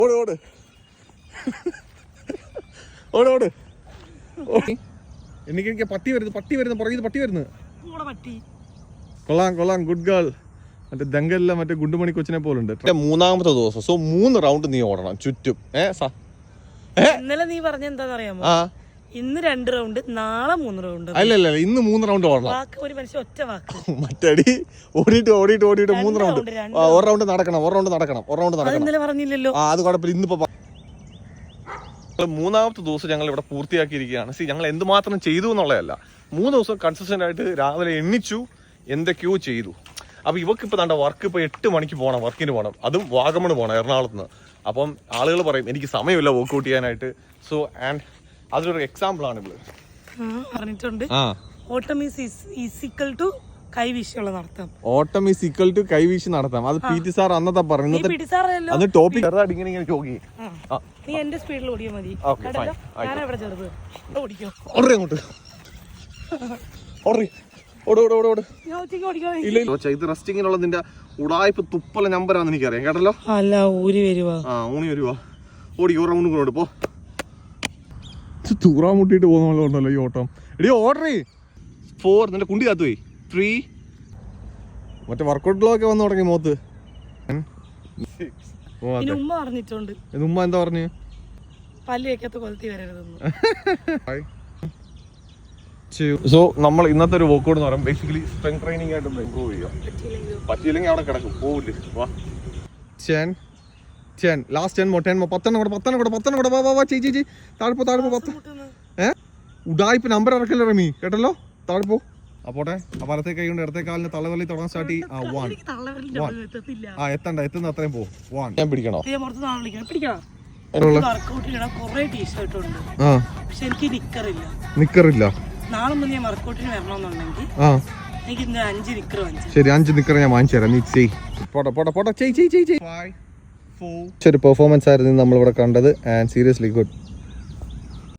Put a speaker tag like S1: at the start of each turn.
S1: ഓട് ഓട് ഓട് ഓട്. എനിക്ക് പട്ടി വരുന്നു പുറകിൽ പട്ടി വരുന്നു. കൊള്ളാം കൊള്ളാം, ഗുഡ് ഗേൾ. മറ്റേ ദങ്കല്ല മറ്റേ ഗുണ്ടുമണി കൊച്ചിനെ പോലുണ്ട്. മൂന്നാമത്തെ ദിവസം. സോ 3 റൗണ്ട് നീ ഓടണം ചുറ്റും.
S2: ഇന്നലെ നീ പറഞ്ഞ എന്താണെന്നറിയാമോ? ഇന്ന് 2 റൗണ്ട്, നാളെ 3 റൗണ്ട്.
S1: അല്ലല്ല, ഇന്ന് 3 റൗണ്ട് ഓടണം.
S2: ഒരു മനുഷ്യൻ ഒറ്റ വാക്ക്.
S1: മറ്റടി ഓടിയിട്ട് 3 റൗണ്ട്. 1 റൗണ്ട് നടക്കണം.
S2: ഇന്നലെ പറഞ്ഞില്ലല്ലോ.
S1: അത് കുഴപ്പമില്ല. ഇന്നിപ്പോ 3ാമത്തെ ദിവസം ഞങ്ങൾ ഇവിടെ പൂർത്തിയാക്കിയിരിക്കുകയാണ്. ഞങ്ങൾ എന്തുമാത്രം ചെയ്തു എന്നുള്ളതല്ല, 3 ദിവസം കൺസിസ്റ്റന്റ് ആയിട്ട് രാവിലെ എണ്ണിച്ചു, എന്തൊക്കെയോ ചെയ്തു. അപ്പൊ ഇവക്ക് ഇപ്പൊ തന്റെ വർക്ക് ഇപ്പൊ 8 മണിക്ക് പോകണം, വർക്കിന് പോകണം, അതും വാഗമണ് പോകണം, എറണാകുളത്ത് നിന്ന്. അപ്പം ആളുകൾ പറയും എനിക്ക് സമയമില്ല വർക്ക്ഔട്ട് ചെയ്യാനായിട്ട്. സോ ആൻഡ് അതിലൊരു എക്സാമ്പിൾ ആണ് ഇവള്
S2: പറഞ്ഞിട്ടുണ്ട്. ഓട്ടം ഈസ് ഈക്വൽ ടു കൈവീശിയുള്ള നടത്താം.
S1: ഓട്ടം ഈസ് ഈക്വൽ ടു കൈവീശി നടത്താം. അത് പി.ടി. സാർ അന്നത്തെ പറഞ്ഞു. അത് ടോപ്പിക് ഇങ്ങനെ ചോക്കി.
S2: നീ എന്റെ സ്പീഡിൽ ഓടിയാൽ മതി. ഞാൻ എവിടെ ചെറുത് ഓടിക്കോ.
S1: അങ്ങോട്ട് ഇത് റെസ്റ്റിങ്ങിനുള്ള നിന്റെ ഉടായ്പ തുപ്പല നമ്പറാന്ന് എനിക്കറിയാം കേട്ടല്ലോ.
S2: അല്ല ഊരി വരുവാ.
S1: ഓടി 1 റൗണ്ട് കൊണ്ടോട്ട് പോ. തൂറാൻ മുട്ടിട്ട് പോകുന്ന ഉണ്ടല്ലോ ഈ ഓട്ടം. എടി ഓർഡർ 4 നിന്റെ കുണ്ടി കാത്തു പോയി. 3 മറ്റേ വർക്കൗട്ട് ഗ്ലോ വന്നു തുടങ്ങി മോത്ത്.
S2: ഉമ്മ പറഞ്ഞിട്ടുണ്ട്.
S1: ഉമ്മ എന്താ പറഞ്ഞു?
S2: പല്ല് വെക്കാത്ത കൊലത്തി വരരുതെന്ന്.
S1: സോ നമ്മൾ ഇന്നത്തെ ഒരു വർക്കൗട്ട് എന്ന് പറയുമ്പോൾ ബേസിക്കലി സ്ട്രെങ്ത് ട്രെയിനിങ് ആയിട്ട് ഇമ്പ്രൂവ് ചെയ്യാം. പറ്റിയില്ലെങ്കിൽ അവിടെ കിടക്കും, പോവില്ലേ. വാ 10 ലാസ്റ്റ് 10 10 ചേച്ചി താഴ്പോ 10. ഉടായ്പ നമ്പർ ഇറക്കില്ല റമി കേട്ടല്ലോ. താഴ്പോ അപ്പോട്ടെ. വലത്തെ കൈ കൊണ്ട് ഇടത്തെ കാലിന് തള്ളവലി തുടങ്ങാൻ സ്റ്റാർട്ട് ചെയ്യും. 1 എത്തുന്ന അത്രയും പോ. 1 ഞാൻ പിടിക്കണോ? നിക്കറില്ല.
S2: നാളെ മുന്നേ വർക്കൗട്ടിന് വരണമെന്നുണ്ടെങ്കിൽ എനിക്ക് 5 നിക്കർ വാങ്ങിച്ചു.
S1: ശരി 5 നിക്കർ ഞാൻ വാങ്ങിച്ചു തരാം. നീ പോട്ടെ. ഒരു പെർഫോമൻസ് ആയിരുന്നു നമ്മളിവിടെ കണ്ടത്. And seriously good.